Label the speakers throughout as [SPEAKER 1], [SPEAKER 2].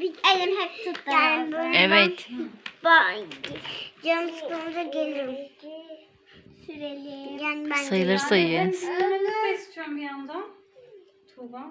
[SPEAKER 1] Elim hep tuttu. Yani böyle
[SPEAKER 2] Evet.
[SPEAKER 1] Canım sıkılınca gelirim. Sürelim. Yani ben
[SPEAKER 2] Sayılır sayı.
[SPEAKER 3] Ben sinirlenmek de istiyorum bir yandan. Tuğba.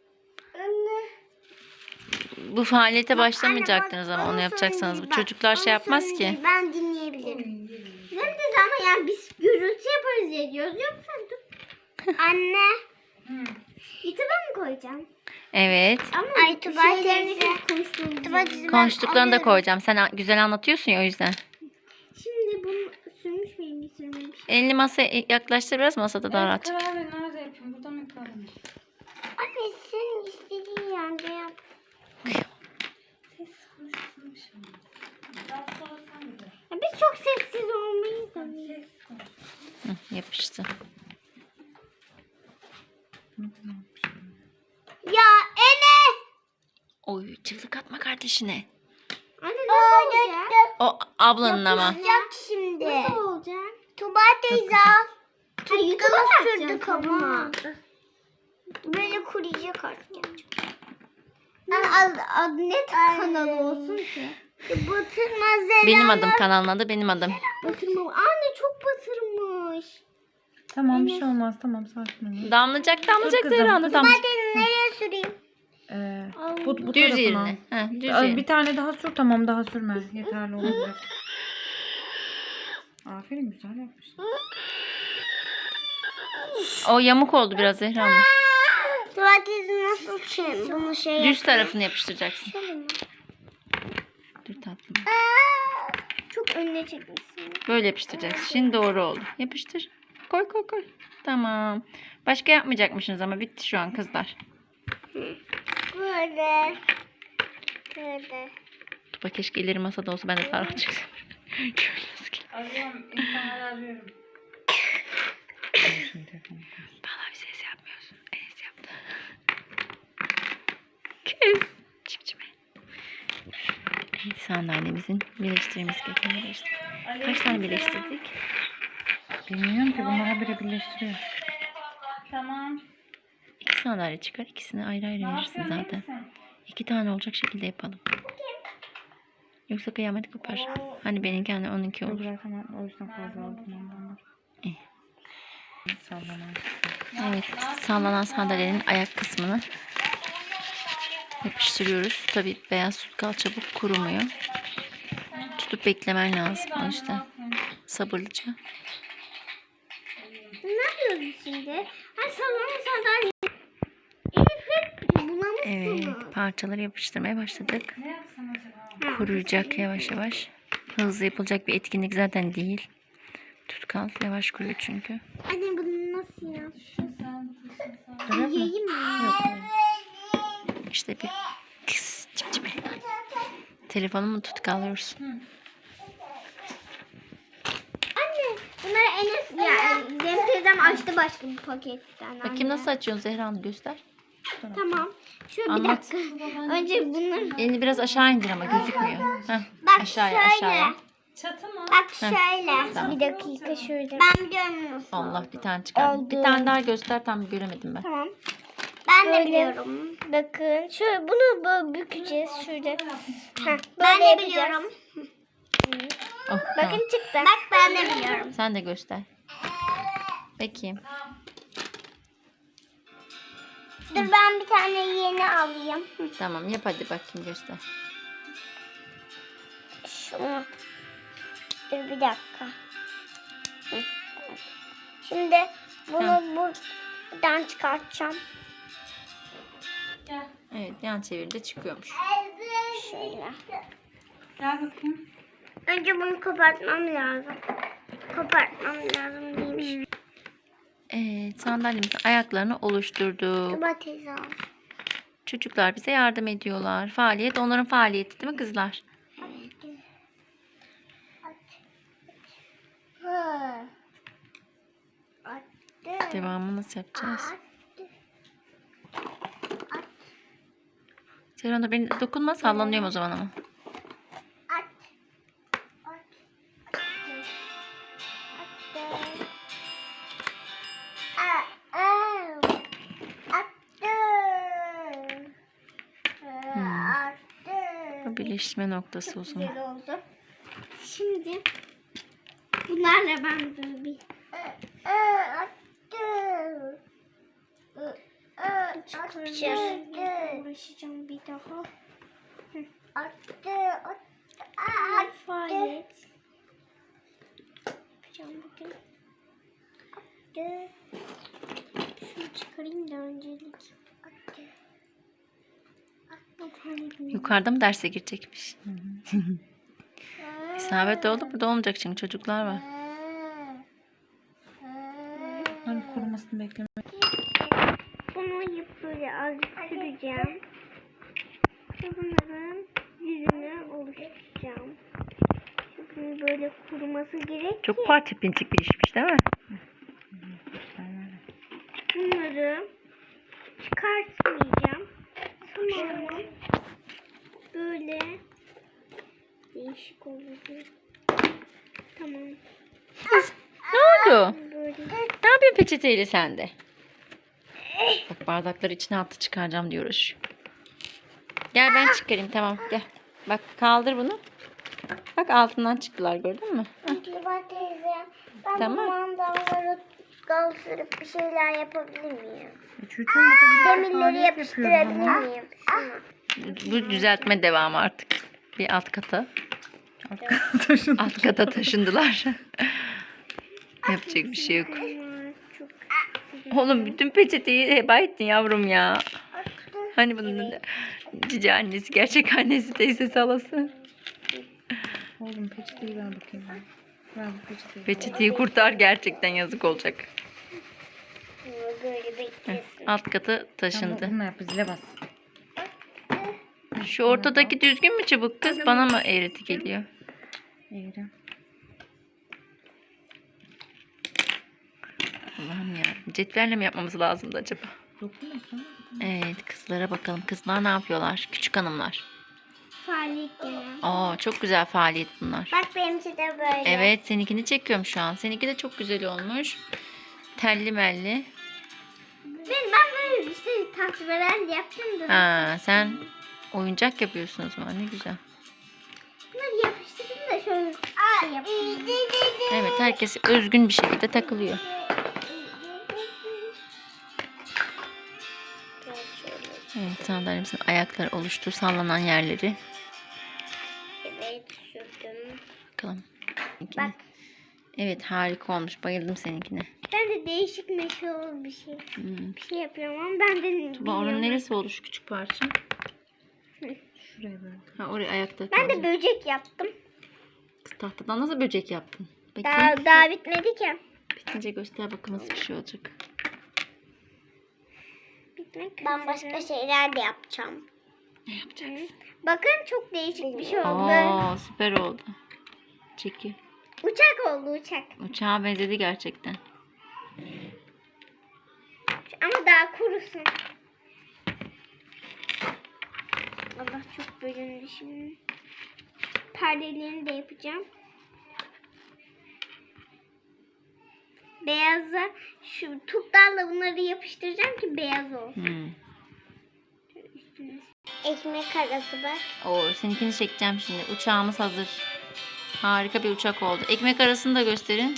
[SPEAKER 2] Bu faaliyete başlamayacaktınız ama onu yapacaksanız. Bu çocuklar şey yapmaz ki.
[SPEAKER 1] Ben dinleyebilirim. Hem de ama yani biz gürültü yaparız diye diyoruz. Yoksa dur. Anne. YouTube'a mı koyacağım?
[SPEAKER 2] Evet.
[SPEAKER 1] Ama şeylerini konuştuğumuz.
[SPEAKER 2] Konuştuklarını da koyacağım. Sen güzel anlatıyorsun ya o yüzden.
[SPEAKER 1] Şimdi bunu sürmüş müyüm? Sürmemiş.
[SPEAKER 2] Elini masaya yaklaştır biraz, masada daha rahat çık.
[SPEAKER 3] Karar ver, nerede yapayım? Burada mı yapalım?
[SPEAKER 1] Anne senin istediğin yerde yap.
[SPEAKER 3] Ses konuşturmuş ama. Daha sonra sen de.
[SPEAKER 1] Ya biz çok sessiz olmayız da.
[SPEAKER 2] Hı, yapıştı.
[SPEAKER 1] Ya Enes!
[SPEAKER 2] Oy, çığlık atma kardeşine.
[SPEAKER 1] Anne nasıl olacak?
[SPEAKER 2] O ablanın ama.
[SPEAKER 1] Yapacak şimdi. Nasıl olacak? Tuba teyze al. YouTube'a sürdü kabıma. Böyle kuruyacak artık. Adı ne kanalı olsun ki? Batırmaz Zeren.
[SPEAKER 2] Benim adım, kanalın adı benim adım.
[SPEAKER 1] Batırma. Anne çok batırmış.
[SPEAKER 3] Tamam bir şey olmaz. Tamam sakin ol.
[SPEAKER 2] Damlayacak
[SPEAKER 3] kızım.
[SPEAKER 2] Zehra, damlayacak.
[SPEAKER 1] Nereye süreyim?
[SPEAKER 3] Bu
[SPEAKER 2] Düz
[SPEAKER 3] tarafına.
[SPEAKER 2] yerine. Ha, düz yerine.
[SPEAKER 3] Bir tane daha sür, tamam, daha sürme. Yeterli olabilir. Aferin, güzel yapmışsın.
[SPEAKER 2] O yamuk oldu biraz Zehra Hanım.
[SPEAKER 1] Tuba teyze nasıl bunu
[SPEAKER 2] Düz tarafını yapıştıracaksın. Dur tatlım.
[SPEAKER 1] Çok önüne çekmişsin.
[SPEAKER 2] Böyle yapıştıracaksın. Şimdi doğru oldu. Yapıştır. Koy koy koy. Tamam. Başka yapmayacakmışsınız ama bitti şu an kızlar.
[SPEAKER 1] Böyle. Böyle.
[SPEAKER 2] Tuba keşke ileri masada olsa, ben de daha rahat çıksam.
[SPEAKER 3] Arıyorum, insanları arıyorum.
[SPEAKER 2] Valla bir ses yapmıyorsun. Enes yaptı. Kız. Çipçime. Evet, sandalyemizin birleştirmemiz gerekiyor. Kaç tane birleştirdik?
[SPEAKER 3] Bilmiyorum ki, bunlar habire birleştiriyor. Tamam.
[SPEAKER 2] 2 sandalye çıkar. İkisini ayrı ayrı verirsin zaten. 2 tane olacak şekilde yapalım. Yoksa kıyamet kopar. Hani benimki hani onunki olur.
[SPEAKER 3] Tamam, o yüzden fazla aldım ondan. Sallanan.
[SPEAKER 2] Evet, sallanan sandalyenin ayak kısmını yapıştırıyoruz. Tabii beyaz tutkal çabuk kurumuyor. Tutup beklemen lazım o yüzden. Sabırlıca.
[SPEAKER 1] Ne yapıyoruz biz şimdi? Ay sallanma sandalye. Elif hep bulamışsın.
[SPEAKER 2] Evet, parçaları yapıştırmaya başladık.
[SPEAKER 3] Ne yapsam acaba?
[SPEAKER 2] Kuruyacak yavaş yavaş. Hızlı yapılacak bir etkinlik zaten değil. Tutkal yavaş kuruyor çünkü.
[SPEAKER 1] Anne bunu nasıl yapacağız?
[SPEAKER 3] Öyle mi?
[SPEAKER 1] Yiyeyim mi?
[SPEAKER 3] Yok.
[SPEAKER 2] İşte bir kız cimcime. Telefonumu tutkallıyoruz.
[SPEAKER 1] Anne bunları Enes yani Zeynep teyzem açtı başka bir paketten.
[SPEAKER 2] Bakayım nasıl açıyorsun Zehra Hanım, göster.
[SPEAKER 1] Tamam. Şöyle bir
[SPEAKER 2] Anlat.
[SPEAKER 1] dakika. Önce bunları
[SPEAKER 2] Elini biraz aşağı indir ama gözükmüyor. Heh,
[SPEAKER 1] bak
[SPEAKER 2] aşağıya
[SPEAKER 1] şöyle.
[SPEAKER 2] aşağıya.
[SPEAKER 3] Çatı mı?
[SPEAKER 1] Bak şöyle.
[SPEAKER 2] Tamam.
[SPEAKER 1] Bir dakika şöyle. Ben biliyorum nasıl.
[SPEAKER 2] Allah, bir tane çıkar.
[SPEAKER 1] Oldu.
[SPEAKER 2] Bir tane daha göster, tam göremedim ben.
[SPEAKER 1] Tamam. Ben de biliyorum. Bakın şöyle bunu böyle bükeceğiz şurada. Ben de biliyorum.
[SPEAKER 2] Oh,
[SPEAKER 1] Bakın
[SPEAKER 2] tamam.
[SPEAKER 1] çıktı. Bak ben de biliyorum.
[SPEAKER 2] Sen de göster. Bakayım.
[SPEAKER 1] Dur ben bir tane yeni alayım.
[SPEAKER 2] Tamam, yap hadi bakayım, göster.
[SPEAKER 1] Şunu. Dur bir dakika. Hı. Şimdi bunu buradan çıkartacağım.
[SPEAKER 3] Gel.
[SPEAKER 2] Evet, yan çevirde çıkıyormuş.
[SPEAKER 1] Şöyle.
[SPEAKER 3] Gel bakayım.
[SPEAKER 1] Önce bunu kopartmam lazım. Kopartmam lazım değilmiş.
[SPEAKER 2] Evet, sandalyemizin ayaklarını oluşturduk.
[SPEAKER 1] Tuba teyze al.
[SPEAKER 2] Çocuklar bize yardım ediyorlar. Faaliyet onların faaliyeti değil mi kızlar? Devamını nasıl yapacağız? Serhan da beni dokunma, sallanıyorum o zaman ama. Doğru, birleşme noktası o zaman.
[SPEAKER 1] Güzel oldu. Şimdi bunlarla ben de bir çıkarmaya uğraşacağım bir daha. Faaliyet yapacağım bugün. Şunu çıkarayım da öncelik.
[SPEAKER 2] Yukarıda mı derse girecekmiş? İsabet oldu. Burada olmayacak çünkü çocuklar var.
[SPEAKER 3] Hani kurumasını bekleme.
[SPEAKER 1] Bunu böyle azıcık süreceğim. Bunların yüzünü oluşturacağım. Şimdi böyle kuruması gerek ki.
[SPEAKER 2] Çok parça pinçik bir işmiş değil mi?
[SPEAKER 1] Bunları çıkartmayacağım. Sonra böyle değişik olacak. Tamam.
[SPEAKER 2] Ne oldu?
[SPEAKER 1] Böyle.
[SPEAKER 2] Ne yapıyorsun peçeteyle sen de? Bak bardakları içine attı, çıkaracağım diyor uğraşıyor. Gel ben çıkarayım, tamam gel. Bak kaldır bunu. Bak altından çıktılar, gördün mü?
[SPEAKER 1] Bak teyze. Ben
[SPEAKER 2] Tamam.
[SPEAKER 1] bu mandalları kaldırıp bir şeyler yapabilir miyim?
[SPEAKER 3] Çocuğum burada bir
[SPEAKER 1] Demirleri
[SPEAKER 3] faaliyet
[SPEAKER 1] yapıştırabilir
[SPEAKER 3] yapıyorum ama.
[SPEAKER 1] miyim?
[SPEAKER 2] Bu düzeltme devamı artık. Bir alt kata.
[SPEAKER 3] Taşın.
[SPEAKER 2] Alt kata taşındılar. Yapacak bir şey yok.
[SPEAKER 1] Çok
[SPEAKER 2] Oğlum bütün peçeteyi heba ettin yavrum ya. Hani bunun da cici annesi, gerçek annesi, teyzesi, halası.
[SPEAKER 3] Oğlum peçeteyi ver bakayım. Ver bu peçeteyi.
[SPEAKER 2] Peçeteyi kurtar, gerçekten yazık olacak.
[SPEAKER 1] böyle beklesin.
[SPEAKER 2] Alt kata taşındı.
[SPEAKER 3] Bununla yap, zile bas.
[SPEAKER 2] Şu ortadaki düzgün mü çubuk kız? Bana mı eğreti geliyor?
[SPEAKER 3] Eğri.
[SPEAKER 2] Allah'ım ya. Cetvelle mi yapmamız lazımdı acaba?
[SPEAKER 3] Dokunmasana.
[SPEAKER 2] Evet, kızlara bakalım. Kızlar ne yapıyorlar? Küçük hanımlar.
[SPEAKER 1] Faaliyet gene.
[SPEAKER 2] Aa, çok güzel faaliyet bunlar.
[SPEAKER 1] Bak benimki de böyle.
[SPEAKER 2] Evet, seninkini çekiyorum şu an. Seninki de çok güzel olmuş. Telli melli.
[SPEAKER 1] Ben böyle işte tasvirler yaptım da.
[SPEAKER 2] Ha, sen oyuncak yapıyorsun o zaman. Ne güzel.
[SPEAKER 1] Bunları yapıştırdım da şöyle şey yapayım.
[SPEAKER 2] Evet, herkes özgün bir şekilde takılıyor. Evet, sandalyemizin ayakları oluştur. Sallanan yerleri.
[SPEAKER 1] Evet sürdüm.
[SPEAKER 2] Bakalım.
[SPEAKER 1] Bak
[SPEAKER 2] Evet, harika olmuş. Bayıldım seninkine.
[SPEAKER 1] ben de değişik meşhur bir şey.
[SPEAKER 2] Hmm.
[SPEAKER 1] Bir şey yapıyorum ama ben de
[SPEAKER 2] Tuba, onun neresi oldu şu küçük parça?
[SPEAKER 3] Şuraya böyle.
[SPEAKER 2] Ha, oraya ayakta
[SPEAKER 1] Ben de
[SPEAKER 2] kalacak.
[SPEAKER 1] böcek yaptım.
[SPEAKER 2] Kız, tahtadan nasıl böcek yaptın? Bakayım.
[SPEAKER 1] Daha bitmedi ki.
[SPEAKER 2] Bitince göster bakalım nasıl bir şey olacak.
[SPEAKER 1] Ben başka şeyler de yapacağım.
[SPEAKER 2] Ne yapacaksın?
[SPEAKER 1] Bakın çok değişik bir şey oldu.
[SPEAKER 2] Aa, süper oldu. Çeki.
[SPEAKER 1] Uçak oldu uçak.
[SPEAKER 2] Uçağa benzedi gerçekten.
[SPEAKER 1] Ama daha kurusun. Allah çok bölündü şimdi. Perdelerini de yapacağım. Beyaza şu tutlarla bunları yapıştıracağım ki beyaz olsun.
[SPEAKER 2] Hmm.
[SPEAKER 1] Ekmek arası bak.
[SPEAKER 2] Oo, seninkini çekeceğim şimdi. Uçağımız hazır. Harika bir uçak oldu. Ekmek arasını da gösterin.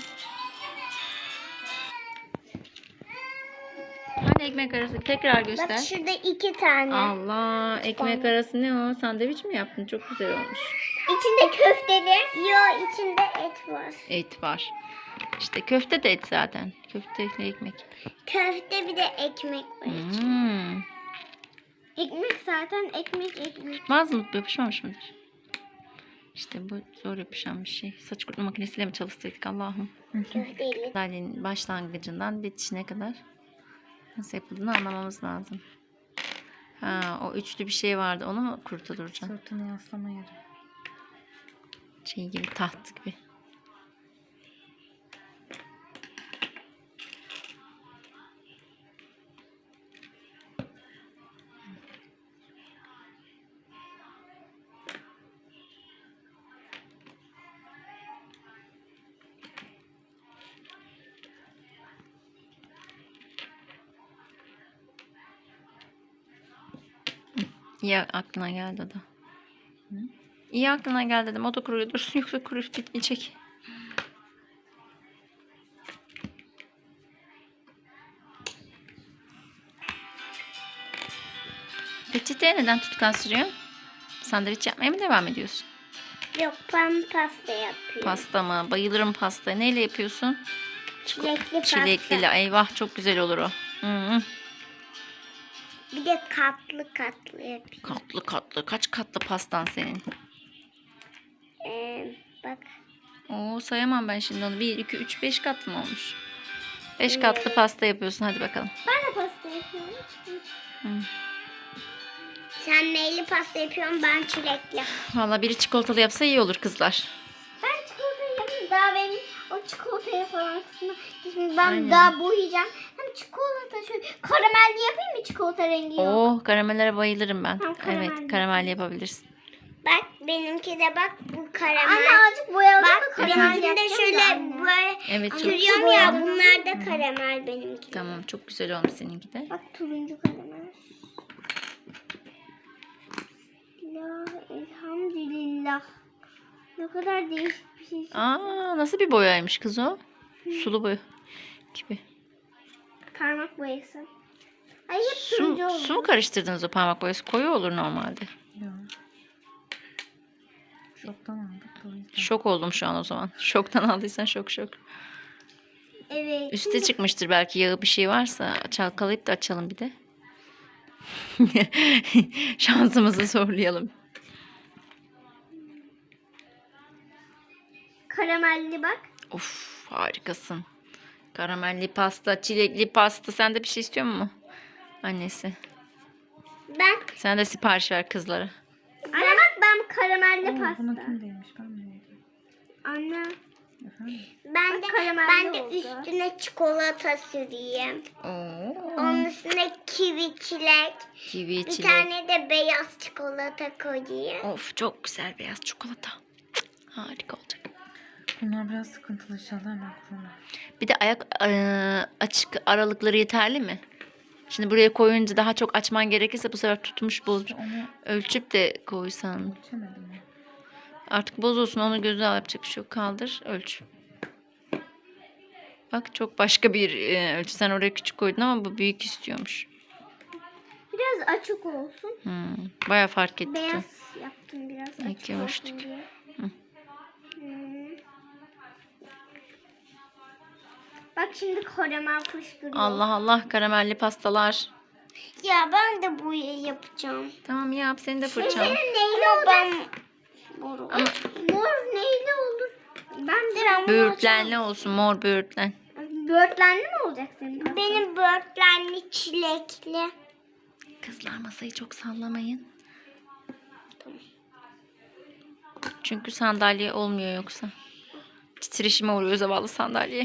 [SPEAKER 2] Hani ekmek arası? Tekrar göster.
[SPEAKER 1] Bak şurada 2 tane.
[SPEAKER 2] Allah, ekmek arası ne o? Sandviç mi yaptın? Çok güzel olmuş.
[SPEAKER 1] İçinde köfteli. Yo içinde et var.
[SPEAKER 2] Et var. İşte köfte de et zaten. Köfteyle ekmek.
[SPEAKER 1] Köfte bir de ekmek var içinde.
[SPEAKER 2] Hmm.
[SPEAKER 1] Ekmek zaten ekmek.
[SPEAKER 2] Mazmut yapışmamış mıdır? İşte bu zor yapışan bir şey. Saç kurutma makinesiyle mi çalışsaydık Allah'ım?
[SPEAKER 1] Köfteli.
[SPEAKER 2] Sandalyenin başlangıcından bitişine kadar nasıl yapıldığını anlamamız lazım. Ha, o üçlü bir şey vardı. Onu mu kurtulacaksın?
[SPEAKER 3] Sırtını yaslama yeri.
[SPEAKER 2] Şey gibi, taht gibi. Ya aklına geldi o da. İyi aklına gel dedim. O da kuruyor dursun yoksa kuruyup bitmeyecek. Peçeteye neden tutkal sürüyorsun? Sandviç yapmaya mı devam ediyorsun?
[SPEAKER 1] Yok, ben pasta yapıyorum.
[SPEAKER 2] Pasta mı? Bayılırım pastaya. Neyle yapıyorsun?
[SPEAKER 1] Çilekli
[SPEAKER 2] Çilekli.
[SPEAKER 1] pasta.
[SPEAKER 2] Eyvah çok güzel olur o. Hı.
[SPEAKER 1] Bir de katlı katlı yapıyorum.
[SPEAKER 2] Katlı katlı. Kaç katlı pastan senin?
[SPEAKER 1] Bak.
[SPEAKER 2] Oo, sayamam ben şimdi onu. 1, 2, 3, 5 katlı mı olmuş? 5 katlı pasta yapıyorsun. Hadi bakalım.
[SPEAKER 1] Ben de pasta yapıyorum.
[SPEAKER 2] Hı.
[SPEAKER 1] Sen neyli pasta yapıyorsun, ben çilekli.
[SPEAKER 2] Valla biri çikolatalı yapsa iyi olur kızlar.
[SPEAKER 1] Ben çikolata yapayım. Daha benim o çikolataya falan kısmı. Şimdi ben
[SPEAKER 2] Aynen.
[SPEAKER 1] daha boyayacağım. Hem çikolata şöyle karamelli yapayım mı, çikolata rengi yok.
[SPEAKER 2] Oo, karamellere bayılırım ben.
[SPEAKER 1] Tamam, karamelli.
[SPEAKER 2] Evet, karamelli yapabilirsin.
[SPEAKER 1] Bak benimki de bak bu karamel. Anne azıcık boyalı mı karamel?
[SPEAKER 2] Efendim?
[SPEAKER 1] de şöyle böyle
[SPEAKER 2] Evet, çok
[SPEAKER 1] sürüyorum ya, bunlar da karamel benimki.
[SPEAKER 2] Tamam, çok güzel olmuş seninki de.
[SPEAKER 1] Bak turuncu karamel. La elhamdülillah. Ne kadar değişik bir şey.
[SPEAKER 2] Aa, nasıl bir boyaymış kız o? Sulu boya gibi.
[SPEAKER 1] Parmak boyası. Ay hep turuncu oldu.
[SPEAKER 2] Su mu karıştırdınız o parmak boyası? Koyu olur normalde.
[SPEAKER 3] Yok. Şoktan aldık. O yüzden.
[SPEAKER 2] Şok oldum şu an o zaman. Şoktan aldıysan şok.
[SPEAKER 1] Evet.
[SPEAKER 2] Üste çıkmıştır belki, yağı bir şey varsa çalkalayıp da açalım bir de. Şansımızı zorlayalım.
[SPEAKER 1] Karamelli bak.
[SPEAKER 2] Of, harikasın. Karamelli pasta, çilekli pasta. Sen de bir şey istiyor musun? Annesi.
[SPEAKER 1] Ben.
[SPEAKER 2] Sen de sipariş ver kızlara.
[SPEAKER 1] Anne bak, ben karamelli
[SPEAKER 3] Oo, bunu
[SPEAKER 1] pasta.
[SPEAKER 3] kim demiş? Ben mi yedim?
[SPEAKER 1] Anne.
[SPEAKER 3] Efendim?
[SPEAKER 1] Ben de üstüne çikolata süreyim.
[SPEAKER 2] Oo.
[SPEAKER 1] Onun üstüne kivi çilek.
[SPEAKER 2] Kivi,
[SPEAKER 1] Bir
[SPEAKER 2] çilek.
[SPEAKER 1] tane de beyaz çikolata koyayım.
[SPEAKER 2] Of, çok güzel beyaz çikolata. Cık, harika olacak.
[SPEAKER 3] Bunlar biraz sıkıntılı, inşallah hemen kururlar.
[SPEAKER 2] Bir de ayak açık aralıkları yeterli mi? Şimdi buraya koyunca daha çok açman gerekirse bu sefer tutmuş bozmuş.
[SPEAKER 3] Onu
[SPEAKER 2] Ölçüp de koysan.
[SPEAKER 3] ölçemedim ya.
[SPEAKER 2] Artık bozulsun, onu göze al, yapacak bir şey yok. Kaldır, ölç. Bak, çok başka bir ölçü. Sen oraya küçük koydun ama bu büyük istiyormuş.
[SPEAKER 1] Biraz açık olsun.
[SPEAKER 2] Bayağı fark etti.
[SPEAKER 1] Beyaz yaptım biraz açık
[SPEAKER 2] İki
[SPEAKER 1] olsun
[SPEAKER 2] ölçtük.
[SPEAKER 1] diye.
[SPEAKER 2] Hı.
[SPEAKER 1] Bak şimdi karamel fışkırıyor.
[SPEAKER 2] Allah Allah, karamelli pastalar.
[SPEAKER 1] Ya ben de bu yapacağım.
[SPEAKER 2] Tamam yap, senin de fırçan.
[SPEAKER 1] Neyli olacak?
[SPEAKER 2] Ama
[SPEAKER 1] Mor neyli olur? Ben de
[SPEAKER 2] böğürtlenli olsun, mor böğürtlen.
[SPEAKER 1] Böğürtlenli mi olacak senin? Benim böğürtlenli çilekli.
[SPEAKER 2] Kızlar, masayı çok sallamayın. Çünkü sandalye olmuyor yoksa. Titreşime uğruyor zavallı sandalye.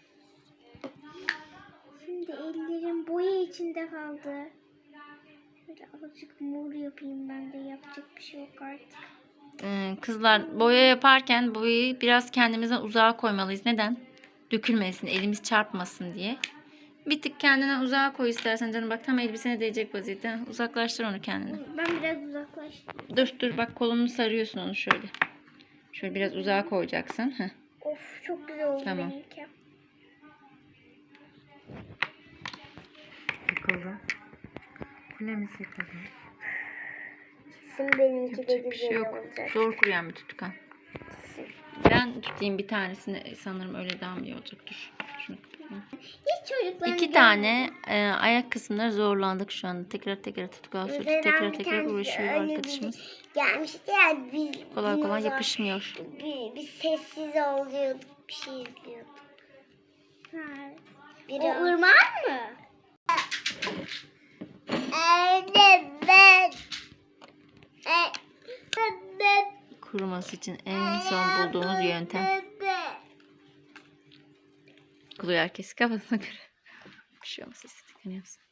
[SPEAKER 1] Şimdi ellerim boya içinde kaldı. Şöyle azıcık mor yapayım, ben de yapacak bir şey yok artık.
[SPEAKER 2] Kızlar, boya yaparken boyayı biraz kendimizden uzağa koymalıyız. Neden? Dökülmesin, elimiz çarpmasın diye. Bir tık kendinden uzağa koy istersen canım. Bak, tam elbisene değecek vaziyette. Uzaklaştır onu kendine.
[SPEAKER 1] Ben biraz uzaklaştım.
[SPEAKER 2] Dur bak, kolunu sarıyorsun onu şöyle. Şöyle biraz uzağa koyacaksın. Heh.
[SPEAKER 1] Of, çok güzel oldu
[SPEAKER 2] Tamam.
[SPEAKER 1] benimki.
[SPEAKER 3] Yıkıldı. Kulemiz yıkıldı.
[SPEAKER 1] Şimdi benimki de
[SPEAKER 2] Yapacak bir
[SPEAKER 1] güzel
[SPEAKER 2] şey yok.
[SPEAKER 1] olacak.
[SPEAKER 2] Zor kuruyan bir tutkan. Ben tutayım bir tanesini. Sanırım öyle daha mı iyi olacak? Dur. Şunu kapatayım.
[SPEAKER 1] Hiç çocukların
[SPEAKER 2] 2 tane ayak kısımları zorlandık şu anda. Tekrar tutkal sürüp tekrar uğraşıyor arkadaşımız.
[SPEAKER 1] Gelmişti ya, biz
[SPEAKER 2] Kolay
[SPEAKER 1] dinozor-
[SPEAKER 2] yapışmıyor.
[SPEAKER 1] Biz sessiz oluyorduk, bir şey izliyorduk. O ırmak mı?
[SPEAKER 2] Kuruması için en son bulduğumuz yöntem. Kuluyor herkes kafasına göre. Bir şey olmaz, istediklerini yapsın.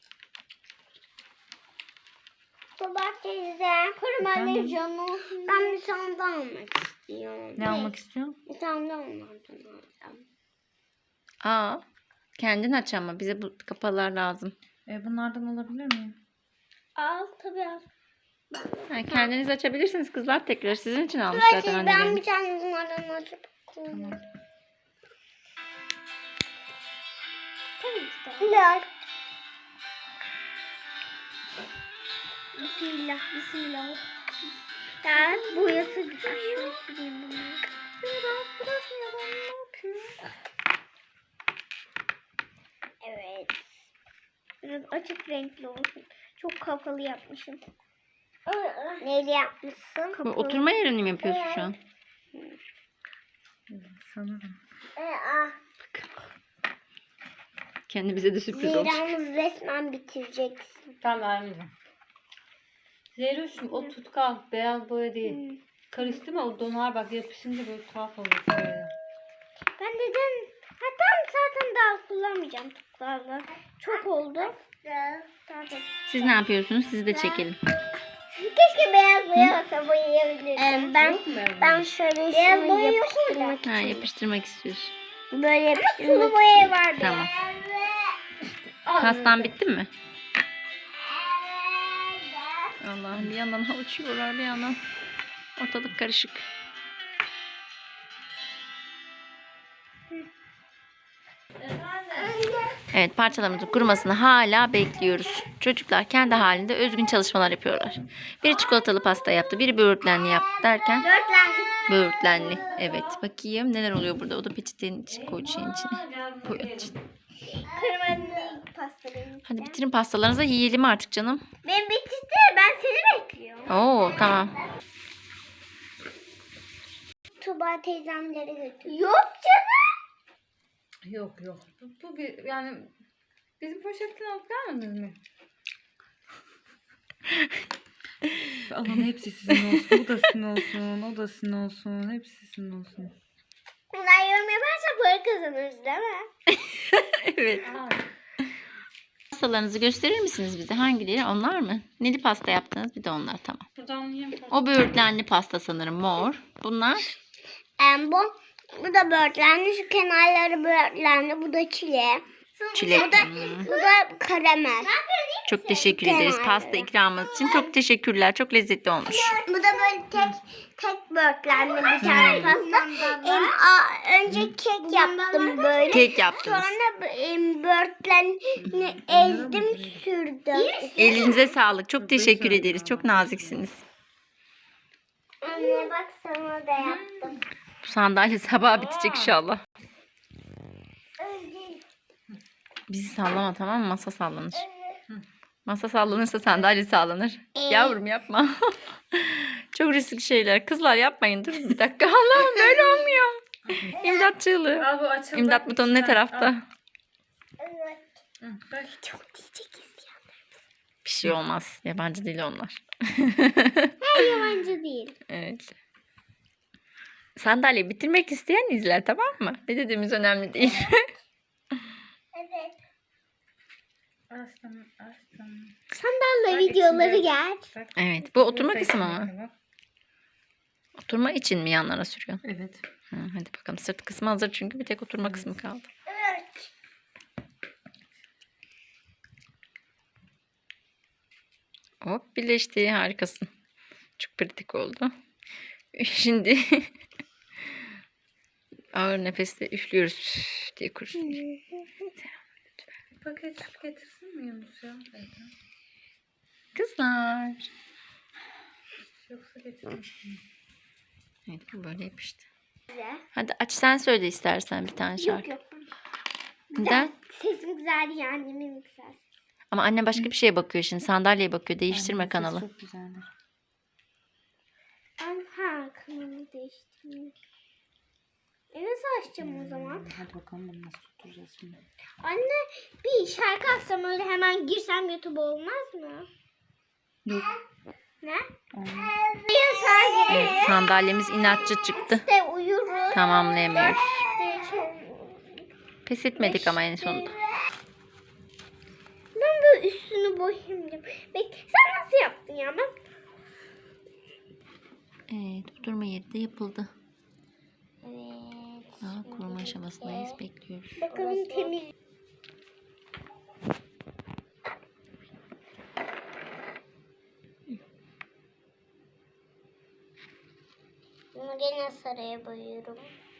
[SPEAKER 1] Baba teyze,
[SPEAKER 3] Efendim?
[SPEAKER 1] canı olsun. Ben bir tane daha almak istiyorum.
[SPEAKER 3] Ne almak istiyorsun?
[SPEAKER 1] Bir tane daha onlardan alacağım.
[SPEAKER 2] Aa, kendin aç ama bize bu kapalar lazım.
[SPEAKER 3] Bunlardan alabilir miyim?
[SPEAKER 1] Al tabii al.
[SPEAKER 2] Ha, kendiniz açabilirsiniz kızlar tekrar. Sizin için almış zaten
[SPEAKER 1] Ben
[SPEAKER 2] anneleriniz.
[SPEAKER 1] bir tane bunlardan açıp koyayım.
[SPEAKER 3] Tamam.
[SPEAKER 1] Bismillah. Bismillah. Bismillah. Ya boyası güzel. Şöyle süreyim bunu. Evet. Biraz açık renkli olsun. Çok kapalı yapmışım. Neyle yapmışsın?
[SPEAKER 2] Bu
[SPEAKER 1] Kapalı.
[SPEAKER 2] oturma yerini mi yapıyorsun şu an?
[SPEAKER 3] Sanırım.
[SPEAKER 2] Kendi bize de sürpriz olacak.
[SPEAKER 1] Zehra'mız resmen bitireceksin.
[SPEAKER 3] Tamam anneciğim. Zeyroş'um o tutkal beyaz boya değil. Karıştırma o donar bak yapışınca böyle tuhaf olur. Böyle.
[SPEAKER 1] Ben dedim zaten daha kullanmayacağım tuklarla. Çok oldu.
[SPEAKER 2] Siz ne yapıyorsunuz? Sizi de çekelim.
[SPEAKER 1] Keşke beyaz boya olsa boyayabilirdim. Ben şöyle beyaz boya yapıştırmak
[SPEAKER 2] Ha, yapıştırmak istiyorsun.
[SPEAKER 1] böyle yapıştırmak. Sulu boya var
[SPEAKER 2] Tamam. Pastan bitti mi? Allah'ım bir yandan uçuyorlar bir yandan. Ortalık karışık. Evet parçalarımızın kurumasını hala bekliyoruz. Çocuklar kendi halinde özgün çalışmalar yapıyorlar. Biri çikolatalı pasta yaptı, biri böğürtlenli yaptı derken böğürtlenli. Evet bakayım neler oluyor burada. O da peçetenin içine koy şeyin içine. Koy içine.
[SPEAKER 1] Kırmızı pasta benim.
[SPEAKER 2] Hadi bitirin pastalarınızı yiyelim artık canım.
[SPEAKER 1] Ben bitirdi. Ben seni bekliyorum.
[SPEAKER 2] Oo tamam.
[SPEAKER 1] Tuba teyzemlere götür. Yok canım.
[SPEAKER 3] Yok. Bu bir yani bizim poşetten alıp gelmediniz mi? Aman hepsi sizin olsun. Bu da sizin olsun. O da sizin olsun. Hepsi sizin olsun.
[SPEAKER 1] Bunlar yorum yaparsa para kazanırız değil mi?
[SPEAKER 2] Evet. Pastalarınızı gösterir misiniz bize? Hangileri? Onlar mı? Neli pasta yaptınız? Bir de onlar tamam.
[SPEAKER 3] Buradan yiyeyim.
[SPEAKER 2] O böğürtlenli pasta sanırım mor. Bunlar
[SPEAKER 1] Bu da böğürtlenli. Şu kenarları böğürtlenli. Bu da çile.
[SPEAKER 2] çilek.
[SPEAKER 1] Bu da karamel.
[SPEAKER 2] Çok teşekkür ederiz pasta ikramınız için. Çok teşekkürler. Çok lezzetli olmuş.
[SPEAKER 1] Bu da böyle tek böğürtlenli bir tane pasta. Önce kek yaptım böyle.
[SPEAKER 2] Kek yaptınız.
[SPEAKER 1] Sonra böğürtlenini ezdim sürdüm.
[SPEAKER 2] Elinize sağlık. Çok teşekkür ederiz. Çok naziksiniz.
[SPEAKER 1] Anne bak sana da yaptım.
[SPEAKER 2] Bu sandalye sabah bitecek inşallah. Bizi sallama tamam mı? Masa sallanır. Masa sallanırsa sandalye sallanır. Yavrum yapma. Çok riskli şeyler. Kızlar yapmayın. Dur bir dakika. Allah'ım böyle olmuyor. İmdat çığlığı.
[SPEAKER 3] Al bu açıldı.
[SPEAKER 2] İmdat butonu ne tarafta?
[SPEAKER 1] Evet.
[SPEAKER 3] Bak.
[SPEAKER 1] Çok diyecek isteyenler.
[SPEAKER 2] Bir şey olmaz. Yabancı değil onlar.
[SPEAKER 1] Yabancı değil.
[SPEAKER 2] Evet. Sandalye bitirmek isteyen izler tamam mı? Ne dediğimiz önemli değil.
[SPEAKER 1] Evet.
[SPEAKER 3] Aslanım.
[SPEAKER 1] Sandalye
[SPEAKER 3] Bak
[SPEAKER 1] videoları
[SPEAKER 3] içinde-
[SPEAKER 1] gel.
[SPEAKER 3] Bak.
[SPEAKER 2] Evet. Bu oturma
[SPEAKER 3] Burada
[SPEAKER 2] kısmı
[SPEAKER 3] içinde
[SPEAKER 2] mı?
[SPEAKER 3] var.
[SPEAKER 2] Oturma için mi yanlara sürüyorsun?
[SPEAKER 3] Evet.
[SPEAKER 2] Hadi bakalım. Sırt kısmı hazır çünkü bir tek oturma kısmı kaldı.
[SPEAKER 1] Evet.
[SPEAKER 2] Hop birleşti. Harikasın. Çok pratik oldu. Şimdi ağır nefesle üflüyoruz üf diye kurusun.
[SPEAKER 3] Paket getirsin mi Yunus ya?
[SPEAKER 2] Kızlar.
[SPEAKER 3] Yoksa getirmesin.
[SPEAKER 2] Evet bu böyle yapıştı.
[SPEAKER 1] Güzel.
[SPEAKER 2] Hadi aç sen söyle istersen bir tane şarkı.
[SPEAKER 1] Yok.
[SPEAKER 2] Neden?
[SPEAKER 1] Sesim güzel ya annemin güzel.
[SPEAKER 2] Ama anne başka bir şeye bakıyor şimdi. Sandalyeye bakıyor. Değiştirme kanalı.
[SPEAKER 3] Çok güzeldir.
[SPEAKER 1] Kanalı değiştirmek. Nasıl açacağım o zaman?
[SPEAKER 3] Hadi bakalım bunu nasıl tutturacağız şimdi.
[SPEAKER 1] Anne bir şarkı açsam öyle hemen girsem YouTube olmaz mı?
[SPEAKER 3] Yok.
[SPEAKER 1] Ne?
[SPEAKER 3] Olmaz.
[SPEAKER 2] Evet, sandalyemiz inatçı çıktı.
[SPEAKER 1] İşte uyuruz.
[SPEAKER 2] Tamamlayamıyoruz.
[SPEAKER 1] İşte çok...
[SPEAKER 2] Pes etmedik ama en sonunda.
[SPEAKER 1] Ben böyle üstünü boyayayım diyorum. Sen nasıl yaptın ya? Ben...
[SPEAKER 2] Evet oturma yeri de yapıldı.
[SPEAKER 1] Evet.
[SPEAKER 2] Daha kuruma aşamasındayız. Bekliyoruz.
[SPEAKER 1] Bakalım temiz. Bunu gene sarıya boyuyorum.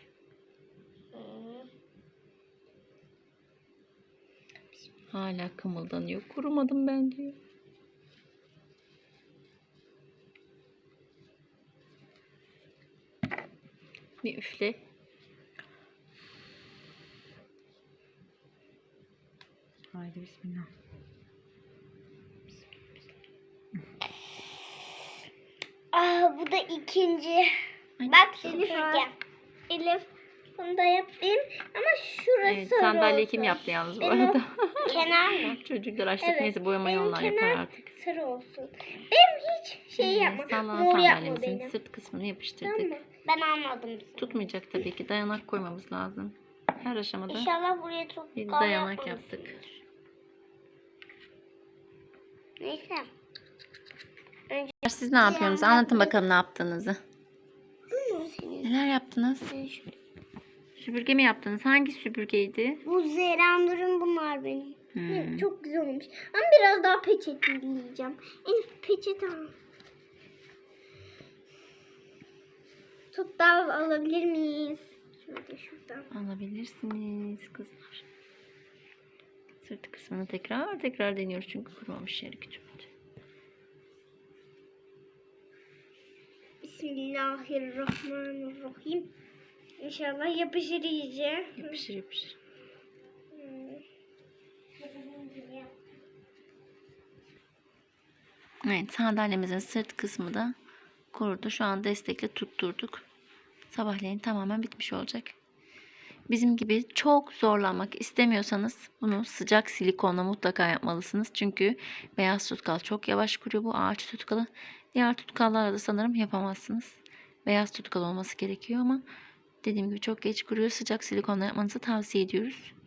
[SPEAKER 2] Hala kımıldanıyor. Kurumadım ben diyor. Bir üfle.
[SPEAKER 3] Haydi bismillah.
[SPEAKER 1] Bu da ikinci.
[SPEAKER 2] Ay,
[SPEAKER 1] Bak süpürge. Elif bunu da yapayım ama şurası
[SPEAKER 2] Evet,
[SPEAKER 1] sarı
[SPEAKER 2] sandalye
[SPEAKER 1] olsun.
[SPEAKER 2] kim yaptı yalnız bu
[SPEAKER 1] Benim
[SPEAKER 2] arada?
[SPEAKER 1] kenar mı?
[SPEAKER 2] Çocuklar açtık,
[SPEAKER 1] Evet,
[SPEAKER 2] neyse boyamayı
[SPEAKER 1] benim
[SPEAKER 2] onlar yapar
[SPEAKER 1] kenar
[SPEAKER 2] artık.
[SPEAKER 1] sarı olsun. Benim hiç şey yapma.
[SPEAKER 2] Sallanan
[SPEAKER 1] Mor yapma
[SPEAKER 2] sandalyemizin
[SPEAKER 1] benim.
[SPEAKER 2] sırt kısmını
[SPEAKER 1] Tamam
[SPEAKER 2] yapıştırdık.
[SPEAKER 1] mı? Ben almadım.
[SPEAKER 2] Tutmayacak tabii ki. Dayanak koymamız lazım. Her aşamada
[SPEAKER 1] İnşallah buraya çok
[SPEAKER 2] bir
[SPEAKER 1] kal
[SPEAKER 2] dayanak
[SPEAKER 1] yapmamışsındır.
[SPEAKER 2] yaptık.
[SPEAKER 1] Neyse.
[SPEAKER 2] Siz ne yapıyorsunuz? Anlatın bakalım ne yaptığınızı.
[SPEAKER 1] Senin.
[SPEAKER 2] Neler yaptınız? Süpürge mi yaptınız? Hangi süpürgeydi?
[SPEAKER 1] Bu Zeranur'un bunlar benim.
[SPEAKER 2] Hmm.
[SPEAKER 1] Çok güzel olmuş. Ama biraz daha peçeteleyeceğim. Elif peçete al. Tut da alabilir miyiz? Şöyle şuradan.
[SPEAKER 2] Alabilirsiniz kızlar. Sırt kısmını tekrar deniyoruz çünkü kurumamış yeri küçültü.
[SPEAKER 1] Bismillahirrahmanirrahim. İnşallah yapışır iyice.
[SPEAKER 2] Yapışır. Evet, sandalyemizin sırt kısmı da kurudu. Şu an destekle tutturduk. Sabahleyin tamamen bitmiş olacak. Bizim gibi çok zorlanmak istemiyorsanız bunu sıcak silikonla mutlaka yapmalısınız. Çünkü beyaz tutkal çok yavaş kuruyor, bu ağaç tutkalı. Diğer tutkallarla da sanırım yapamazsınız. Beyaz tutkal olması gerekiyor ama dediğim gibi çok geç kuruyor. Sıcak silikonla yapmanızı tavsiye ediyoruz.